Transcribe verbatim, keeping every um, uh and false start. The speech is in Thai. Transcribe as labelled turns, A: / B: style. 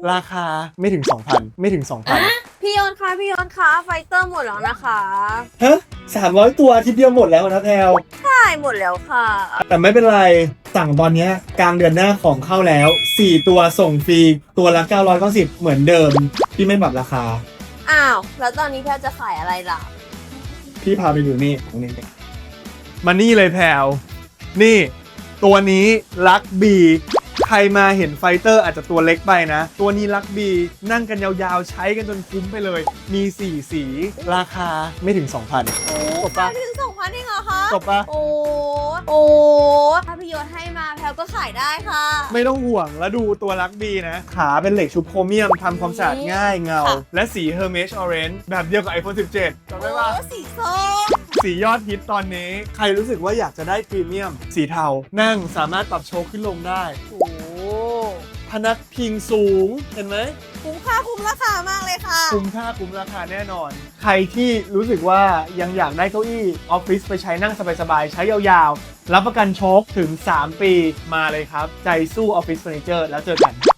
A: ราคาไม่ถึง สองพัน ไม่ถึง สองพัน
B: พี่ยนต์คะพี่ยนต์คะไฟเตอร์หมดแล้วนะคะ
A: ฮะสามร้อยตัวอาทิตย์เดียวหมดแล้วนะแพลว
B: ใช่หมดแล้วค่ะ
A: แต่ไม่เป็นไรสั่งตอนเนี้ยกลางเดือนหน้าของเข้าแล้วสี่ตัวส่งฟรีตัวละเก้าร้อยเก้าสิบเหมือนเดิมพี่ไม่ปรับราคา
B: อ้าวแล้วตอนนี้แพลจะขายอะไรล่ะ
A: พี่พาไปดูนี่ตรงนี้มานี่เลยแพลวนี่ตัวนี้ลักบีใครมาเห็นไฟเตอร์อาจจะตัวเล็กไปนะ ตัวนี้ลักบีนั่งกันยาวๆใช้กันจนคุ้มไปเลย มีสี่สีราคาไม่ถึง สองพัน
B: โอ้
A: จบปะ
B: ถึงสองพันเองเหรอคะ
A: จบปะ
B: โอ้โอ้ถ้าพี่ยนต์ให้มาแพลก็ขายได้ค่ะ
A: ไม่ต้องห่วงแล้วดูตัวลักบีนะ ขาเป็นเหล็กชุบโครเมียมทำความสะอาดง่ายเงา
B: ค่ะ
A: และสี Hermes Orange แบบเดียวกับ ไอโฟน สิบเจ็ดจำได้ปะ
B: โอ้สีส้ม
A: สียอดฮิตตอนนี้ ใครรู้สึกว่าอยากจะได้พรีเมียม สีเทา นั่งสามารถปรับโชว์ขึ้นลงได้
B: โอ้
A: พนักพิงสูง เห็นไหม
B: คุ้มค่าคุ้มราคามากเลยค่ะ
A: คุ้มค่าคุ้มราคาแน่นอน ใครที่รู้สึกว่ายังอยากได้เก้าอี้ออฟฟิศไปใช้นั่งสบายๆ ใช้ยาวๆ รับประกันโชคถึง สาม ปีมาเลยครับ ใจสู้ออฟฟิศเฟอร์นิเจอร์แล้วเจอกัน